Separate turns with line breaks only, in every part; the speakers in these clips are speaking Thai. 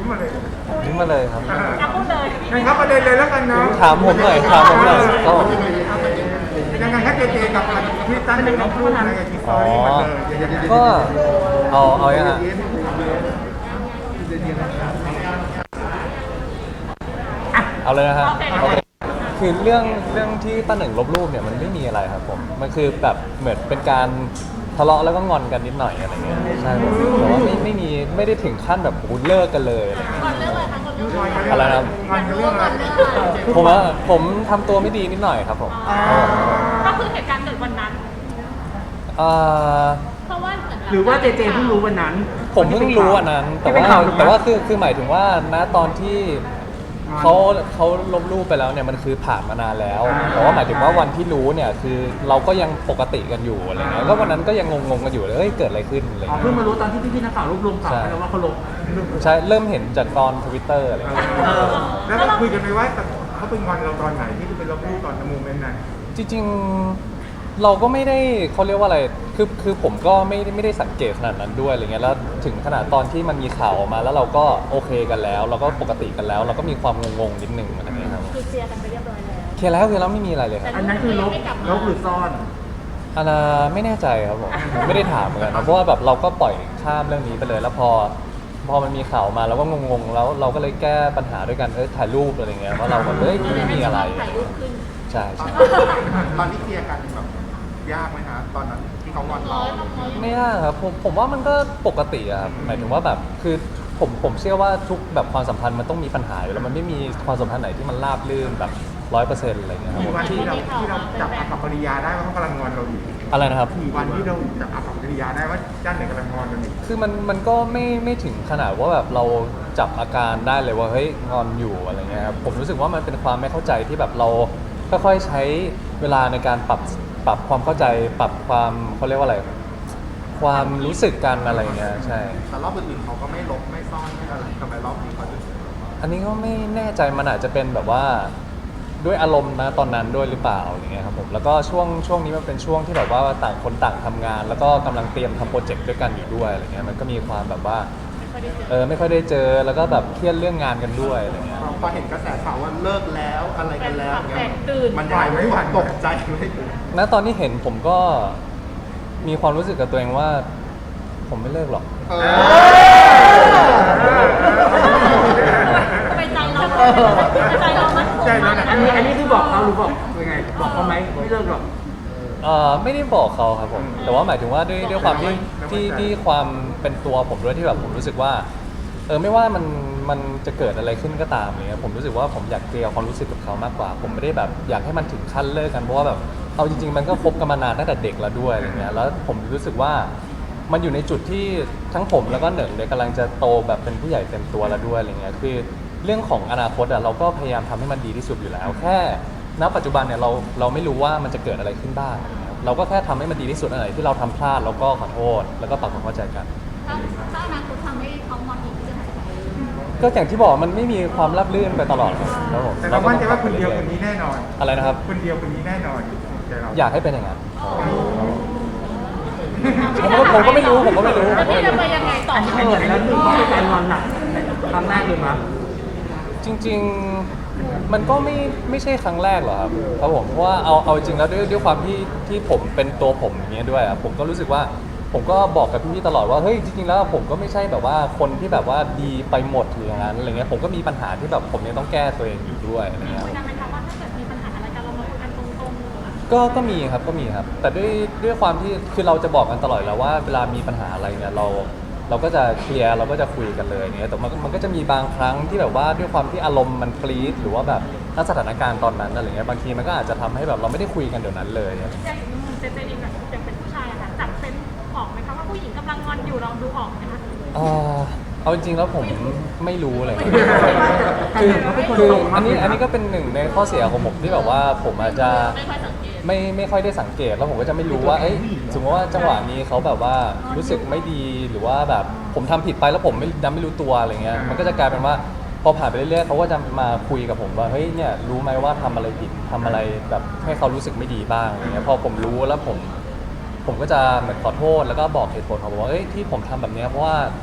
ยิ้มมาเลย
นี่มาเลยครับ
จะพูดเลย
งั้นครับประเด็นเลยแล้วกันเนาะ
ถามผมหน่อยก็
ยังไงครับเจเจกับพี่ตั้นหนึ่งน้องพูดอะไรกับทีสตอรี่มาเลย
ก็เอาอย่างอ่ะเอาเลยนะฮะโอเคคือเรื่องที่ป้าหนึ่งลบรูปเนี่ยมันไม่มีอะไรครับผมมันคือแบบเหมือนเป็นการทะเลาะแล้วก็งอนกันนิดหน่อยอะไรเงี้ยใช่แต่ว่าไม่ได้ถึงขั้นแบบโอ้เลิกกันเลยอะไรเงี้ย
ก่อนเรื่องอะไรคะก่อนเรื่อง
อะไรนะ
งอนกันเรื่องอะไร
ผมทำตัวไม่ดีนิดหน่อยครับผม
ก็คือเหตุการณ์เกิดวันนั้น
เอ่อ
เพราะว่าเหมือน
หรือว่าเจเจเพิ่งรู้วันนั้น
ผมเพิ่งรู้อันนั้น แต่ว่าคือหมายถึงว่าณตอนที่เขาลบรูปไปแล้วเนี่ยมันคือผ่านมานานแล้วแต่ว่าหมายถึงว่าวันที่รู้เนี่ยคือเราก็ยังปกติกันอยู่อะไรเงี้ยก็วันนั้นก็ยังงงๆกันอยู่เลยเฮ้ยเกิดอะไรขึ้นอะไร
อ๋อ
เงี้ย
เพิ่งมารู้ตอนที่พี่ๆนักข่าวรวบรวมข่าวไปแล้วว่าเขาลบ
ใช่เริ่มเห็นจากตอน Twitter อะไรเงี้ย
แล้วเราคุยกันไหมว่าเขาเป็นงอนเราตอนไหนที่เป็นลบรูปตอนโมเมนต์นั้น
จริงๆเราก็ไม่ได้เขาเรียกว่าอะไรคือผมก็ไม่ได้สังเกตขนาดนั้นด้วยอะไรเงี้ยแล้วถึงขนาดตอนที่มันมีข่าวออกมาแล้วเราก็โอเคกันแล้ว เราก็ปกติกันแล้ว เราก็มีความงงๆนิดนึงอะไรเงี้ยครับ
คือเคลียร์กันไปเรียบร้อยแล้ว
เคลียร์แล้วไม่มีอะไรเลยครับ
อันนั้นคือลบหรือซ่อน
อันน่ะไม่แน่ใจครับผมไม่ได้ถามเหมือนกันนะเพราะว่าแบบเราก็ปล่อยข้ามเรื่องนี้ไปเลย แล้วพอมันมีข่าวมาเราก็งงๆแล้วเราก็เลยแก้ปัญหาด้วยกันถ่ายรูปอะไรเงี้ยว่าเราแบบไม่มีอะไร
ถ่ายรูปขึ้น
ใช่ใช่
ตอนที่เคลียร์กันแบบยากไหมฮะตอนนั้นที่เขางอนเรา
ไม่ยากครับผมว่ามันก็ปกติอะครับหมายถึงว่าแบบคือผมเชื่อว่าทุกแบบความสัมพันธ์มันต้องมีปัญหาอยู่แล้วมันไม่มีความสัมพันธ์ไหนที่มันราบรื่นแบบ100%อะไรเงี้ยครับ
กี่วันที่เราจับอากับปริยาได้ว่าเขากำลังงอนเราอยู่
อะไรนะครับ
กี่วันที่เราจับอากับปริยาได้ว่าด้านไหนกำลังงอนเราอยู่
คือมันก็ไม่ถึงขนาดว่าแบบเราจับอาการได้เลยว่าเฮ้ยงอนอยู่อะไรเงี้ยครับผมรู้สึกว่ามันเป็นความไม่เข้าใจที่แบบเราค่อยๆใช้เวลาในการปรับความเข้าใจปรับความเขาเรียกว่าอะไร ความรู้สึกกันอะไรเงี้ยใช่
แต่รอบอื่นๆเขาก็ไม่ลบไม่ซ่อนไม่อะไรทำไมรอบนี้เขาถึง
อันนี้ก็ไม่แน่ใจมันอาจจะเป็นแบบว่าด้วยอารมณ์นะตอนนั้นด้วยหรือเปล่าอย่างเงี้ยครับผมแล้วก็ช่วงนี้มันเป็นช่วงที่แบบว่าต่างคนต่างทำงาน แล้วก็กำลังเตรียมทำโปรเจกต์ด้วยกันอยู่ด้วยอะไรเงี้ยมันก็มีความแบบว่าไม่ค่อยได้เจอแล้วก็แบบเครียดเรื่องงานกันด้วยอะไรเงี้ย
พอเห็นกระแสข่าวว่าเลิกแล้วอะไรกันแล้ว
แตกตื่น
มันไหวไม่หวั่นตกใจไหม
ณตอนที่เห็นผมก็มีความรู้สึกกับตัวเองว่า ผมไม่เลิกหรอก
ไปใจเราไปใจเราไหม
ใช่แล้วนะ
อันนี้คือบอกเขาหรือบอกยังไง บอกเขาไหมไม่เลิกหรอก
ไม่ได้บอกเขาครับผมแต่ว่าหมายถึงว่าด้วยความที่ความเป็นตัวผมด้วยที่แบบผมรู้สึกว่าไม่ว่ามันจะเกิดอะไรขึ้นก็ตามเนี่ยผมรู้สึกว่าผมอยากเคลียร์ความรู้สึกกับเขามากกว่า ผมไม่ได้แบบอยากให้มันถึงขั้นเลิกกันเพราะว่าแบบเอาจริงๆมันก็คบกันมานานตั้งแต่เด็กแล้วด้วยอะไรเงี้ยแล้วผมรู้สึกว่ามันอยู่ในจุดที่ทั้งผมแล้วก็เหนึ่งเนี่ยกำลังจะโตแบบเป็นผู้ใหญ่เต็มตัวแล้วด้วยอะไรเงี้ยคือเรื่องของอนาคตเราก็พยายามทำให้มันดีที่สุดอยู่แล้วแค่ณปัจจุบันเนี่ยเราไม่รู้ว่ามันจะเกิดอะไรขึ้นบ้างนะครับเราก็แค่ทำให้มันดีที่สุดอะไรที่เราทำพลาดเราก็ขอโทษแล้วก็ปรับความเข้าใจกัน
ถ้าอนาคตทำให้เขางอนอีกจะทำยังไง
ก็อย่างที่บอกมันไม่มีความราบรื่นไปตลอดครับผม
แต่เรามั่นใจว่าคนเดียวคนนี้แน่นอน
อะไรนะครับ
คนเดียวคนนี้แน่นอนใจเรา
อยากให้เป็นอย่างนั้นผมก็ไม่รู้
แล้วพี่จะไปยังไงต่อ
อันนี้แล้วคือเขาเป็นการงอนหนักครั้งแรกเลยมั้ย
จริงๆมันก็ไม่ใช่ครั้งแรกหรอกครับผมเพราะว่าเอาจริงแล้วด้วยความที่ผมเป็นตัวผมอย่างเงี้ยด้วยผมก็รู้สึกว่าผมก็บอกกับพี่ๆตลอดว่าเฮ้ยจริงๆแล้วผมก็ไม่ใช่แบบว่าคนที่แบบว่าดีไปหมดหรืออย่างนั้นอะไรเงี้ยผมก็มีปัญหาที่แบบผมยังต้องแก้ตัวเองอยู่ด้วยอะไรเงี้ย
คุยกันไหมคะว่าถ้าเกิดมีปัญหาอะไรกันเรามาคุยกันตรงๆ
ก็มีครับแต่ด้วยความที่คือเราจะบอกกันตลอดแล้วว่าเวลามีปัญหาอะไรเนี่ยเราก็จะเคลียร์เราก็จะคุยกันเลยเนี่ยแต่มันก็จะมีบางครั้งที่แบบว่าด้วยความที่อารมณ์มันปรี๊ดหรือว่าแบบณสถานการณ์ตอนนั้นอะไรเงี้ยบางทีมันก็อาจจะทำให้แบบเราไม่ได้คุยกันเดี๋ยวนั้นเลย
อย่างเจเจเองแบบยังเป็นผู้ชายอะค่ะจับเซนส์ออกไหมคะว่าผู้หญิงกำลังงอนอยู่ลองดูออกไหมคะ
เอาจริงๆแล้วผมไม่รู้เลยคืออันนี้ก็เป็นหนึ่งในข้อเสียของผมที่แบบว่าผมอาจจะ
ไม่ค่อยสังเกต
ไม่ค่อยได้สังเกตแล้วผมก็จะไม่รู้ว่าสมมติว่าจังหวะนี้เขาแบบว่ารู้สึกไม่ดีหรือว่าแบบผมทำผิดไปแล้วผมไม่รู้ตัวอะไรเงี้ยมันก็จะกลายเป็นว่าพอผ่านไปเรื่อยๆเขาก็จะมาคุยกับผมว่าเฮ้ยเนี่ยรู้ไหมว่าทำอะไรผิดทำอะไรแบบให้เขารู้สึกไม่ดีบ้างอะไรเงี้ยพอผมรู้แล้วผมก็จะเหมือนขอโทษแล้วก็บอกเหตุผลของผมว่าที่ผมทำแบบนี้เพราะว่าผม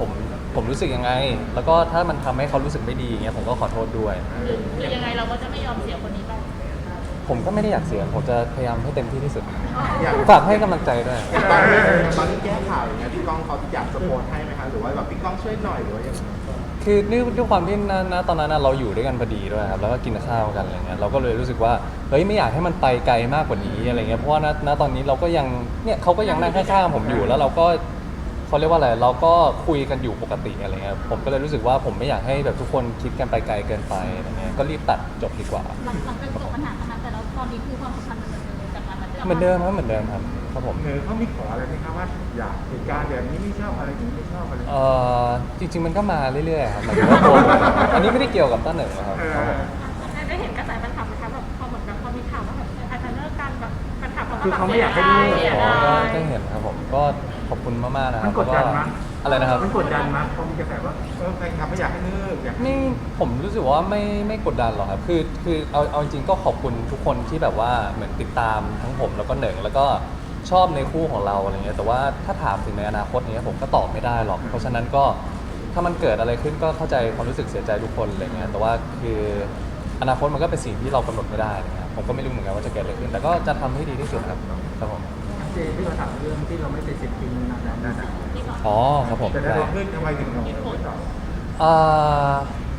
ผมรู้สึกยังไง แล้วก็ถ้ามันทำให้เขารู้สึกไม่ดีอย่างเงี้ยผมก็ขอโทษด้วย
คือยังไงเราก็จะไม่ยอมเสียคนนี้ไป
ผมก็ไม่ได้อยากเสียผมจะพยายามให้เต็มที่ที่สุด
อย่าง
ฝากให้กำลังใจด้วย
ตอนที่แก้ข่าวอย่างเงี้ยพี่ก้องเขาอยากสปอร์ตให้ไหมคะหรือว่าแบบพี่ก้องช่วยหน่อยหรือว่าอย่างไร
คือด้วยความที่นะตอนนั้นเราอยู่ด้วยกันพอดีด้วยครับแล้วก็กินข้าวกันอะไรเงี้ยเราก็เลยรู้สึกว่าเฮ้ยไม่อยากให้มันไปไกลมากกว่านี้อะไรเงี้ยเพราะว่าณตอนนี้เราก็ยังเนี่ยเขาก็ยังนั่งข้างๆผมอยู่แล้วเราก็เขาเรียกว่าอะไรเราก็คุยกันอยู่ปกติอะไรเงี้ยผมก็เลยรู้สึกว่าผมไม่อยากให้แบบทุกคนคิดกันไปไกลเกินไปอะไรเงี้ยก็รีบตัดจบดีกว่า
หลังจากจบปัญหาขนาดแต่แล้วตอนนี้คือความสัมพันธ์มันจากการ
เหมือนเดิมครับเหมือนเดิมครับครับผม
เขามีขออะไรไหมครับว่าอยากเหตุการณ์แบบนี้ไม่ชอบอะไรอย่างนี้ไม่ชอบอะไร
จริงๆมันก็มาเรื่อยๆครับหมายถึงว่าตัวผมอันนี้ไม่ได้เกี่ยวกับต้นหนึ่งนะครับครับผม
ได้เห็นกระแสแฟนคลับไหมคะแบบพอเหมือนแบบพอมีข่าวว่าแบบอาจจะเลิกกันแบบแฟนคลับเขาก็
คือเขาไม่อยากให้เลิก
เสีย
อ๋อ
ดาย
ได้เห็นครับผมก็ขอบคุณมากๆนะครั
มั
บ
นกดดันมั้ย
อะไรนะครับ
มันกดดันมั้ยพอมีกระแสว่า
แฟนคลับไม่อยากให้เลิกอยาก
ไม่ผมรู้สึกว่าไม่กดดันหรอกครับคือเอาจริงก็ขอบคุณทุกคนที่แบบว่าเหมือนติดตามทั้งผมแล้วก็เหนึ่งแล้วก็ชอบในคู่ของเราอะไรเงี้ยแต่ว่าถ้าถามถึงในอนาคตเนี้ยผมก็ตอบไม่ได้หรอก เพราะฉะนั้นก็ถ้ามันเกิดอะไรขึ้นก็เข้าใจความรู้สึกเสียใจทุกคนอะไรเงี้ยแต่ว่าคืออนาคตมันก็เป็นสิ่งที่เรากำหนดไม่ได้นะครับผมก็ไม่รู้เหมือนกันว่าจะเกิดอะไรขึ้น แต่ก็จะทำให้ดีที่สุดครับครับผม
เจที่เราถามเรื่องที่เราไม่ไปเซ็นจริงนานๆ
อ๋อครับผม
แต่ถ้าเราขึ้นทำไมถึงเราไม่ตอบ
อ่า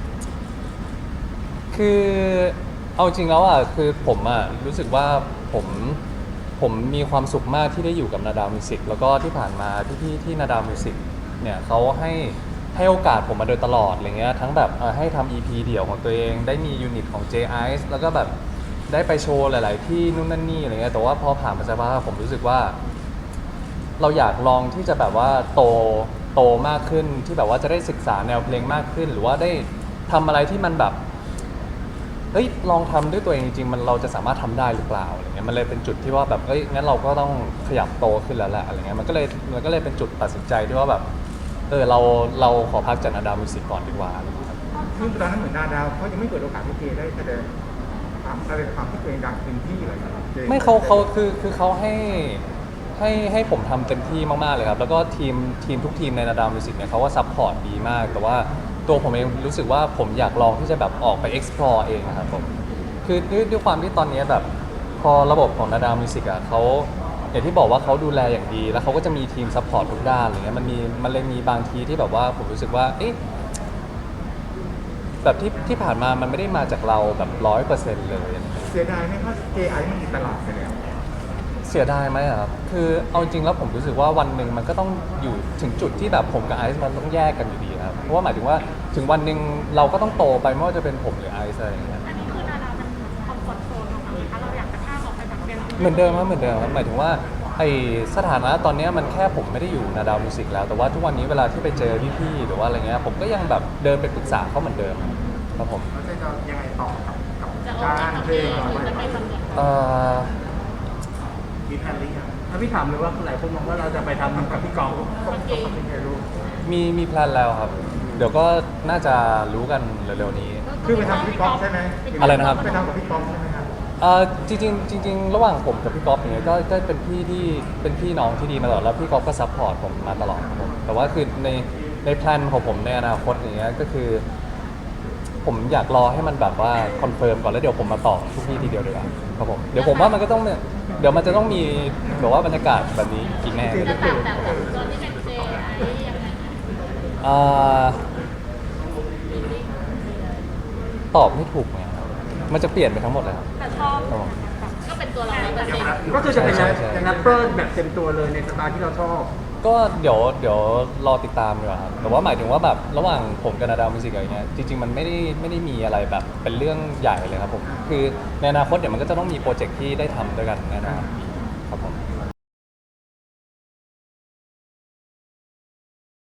คือเอาจริงแล้วอ่ะคือผมอ่ะรู้สึกว่าผมมีความสุขมากที่ได้อยู่กับนาดาวมิวสิกแล้วก็ที่ผ่านมาพี่ๆที่นาดาวมิวสิกเนี่ยเขาให้โอกาสผมมาโดยตลอดอะไรเงี้ยทั้งแบบให้ทำ EP เดี่ยวของตัวเองได้มียูนิตของ J Ice แล้วก็แบบได้ไปโชว์หลาย ๆ ที่นู่นนั่นนี่อะไรเงี้ยแต่ว่าพอผ่านมาสักพักผมรู้สึกว่า เราอยากลองที่จะแบบว่าโตมากขึ้นที่แบบว่าจะได้ศึกษาแนวเพลงมากขึ้น หรือว่าได้ทำอะไรที่มันแบบเฮ้ยลองทำด้วยตัวเองจริงๆมันเราจะสามารถทำได้หรือเปล่าอะไรเงี้ยมันเลยเป็นจุดที่ว่าแบบเอ้ยงั้นเราก็ต้องขยับโตขึ้นแล้วแหละอะไรเงี้ยมันก็เลยเป็นจุดตัดสินใจที่ว่าแบบเราขอพักจากนาดาวมิวสิกก่อนดีกว่าอะไรเงี้ยครับ
ซึ่งตอนนั้นเหมือนนาดาวเขายังไม่เปิดโอกาสให้เจได้แสดงความที่ตัวเองดังเต็มที่เลยจ
ไม่เขาคือเขาให้ผมทำเต็มที่มากๆเลยครับแล้วก็ทีมทุกทีมในนาดาวมิวสิกเนี่ยเขาก็ซัพพอร์ตดีมาก แต่ว่าตัวผมเองรู้สึกว่าผมอยากลองที่จะแบบออกไป explore เองนะครับผมคือด้วยความที่ตอนนี้แบบพอระบบของนาดาวมิวสิกอ่ะเขาอย่างที่บอกว่าเขาดูแลอย่างดี แล้วเขาก็จะมีทีมซัพพอร์ตทุกด้านอะไรเงี้ยมันเลยมีบางทีที่แบบว่าผมรู้สึกว่าเอ๊ะแบบที่ผ่านมามันไม่ได้มาจากเราแบบ100%เลย
เสียดายไหมเพราะเจไอมันติดตลาดไปแล้ว
เสียดายไหมอะครับ คือเอาจริงแล้วผมรู้สึกว่าวันหนึ่งมันก็ต้องอยู่ถึงจุดที่แบบผมกับไอซ์มันต้องแยกกันอยู่ดีครับ เพราะว่าหมายถึงว่าถึงวันหนึ่งเราก็ต้องโตไปไม่ว่าจะเป็นผมหรือไอซ์อะไรอย่างเงี้ย
อันนี้คือนาดาวมันคอมฟอร์ตโซนของเราคะเราอยากจะข้ามออกไปแบบเป็น
เหมือนเดิมครับเหมือนเดิมครับหมายถึงว่าไอสถานะตอนเนี้ยมันแค่ผมไม่ได้อยู่นาดาวมิวสิกแล้ว แต่ว่าทุกวันนี้เวลาที่ไปเจอพี่ๆหรือว่าอะไรเงี้ยผมก็ยังแบบเดินไปปรึกษาเขาเหมือนเดิมครับผม
แล้วจะยังไงต่อกับ
จะออกจาก
การ
ทำ
เพล
เอง
ง
หรือจะไปทำอย่าง
เอ่อ
มีแพลนหรือยัง
ถ้าพี่ถามเลยว่าหลายคนมองว่าเราจะไปทำกับพี่กอง
ต้องเป็นไงรู้
มีแพลนแล้วครับ เดี๋ยวก็น่าจะรู้กันเร็วๆนี้
คือไปทำกับพี่ก๊อฟใช่ไหม
อะไรนะครับ
ไปทำกับพี่ก๊อฟใช่ไหมครับ
จริงๆระหว่างผมกับพี่ก๊อฟอย่างเงี้ยก็เป็นพี่ที่เป็นพี่น้องที่ดีมาตลอดแล้วพี่ก๊อฟก็ซัพพอร์ตผมมาตลอดครับผมแต่ว่าคือในแพลนของผมในอนาคตอย่างเงี้ยก็คือ ผมอยากรอให้มันแบบว่าคอนเฟิร์มก่อนแล้วเดี๋ยวผมมาตอบทุกที่ทีเดียวดีกว่าครับผมเดี๋ยวผมว่ามันก็ต้องเนี่ยเดี๋ยวมันจะต้องมีแบบว่าบรรยากาศแบบนี้อีกแน่เลย
จะต่างจากตอนที่เป็นเจไอยังไง
อ่าตอบไม่ถูกไงครับมันจะเปลี่ยนไปทั้งหมดเลยครับ
แต่ชอบแบบก็เป็นตัวเรา100%
ก็คือจะเป็น
ใช่ใช่
แรปเปอร์แบบเต็มตัวเลยในสไตล์ที่เราชอบ
ก็เดี๋ยวรอติดตามดีกว่าครับแต่ว่าหมายถึงว่าแบบระหว่างผมกับนาดาวมิวสิกอะไรเงี้ยจริงๆมันไม่ได้มีอะไรแบบเป็นเรื่องใหญ่เลยครับผมคือในอนาคตเดี๋ยวมันก็จะต้องมีโปรเจกต์ที่ได้ทำด้วยกันแน่นอนครับผม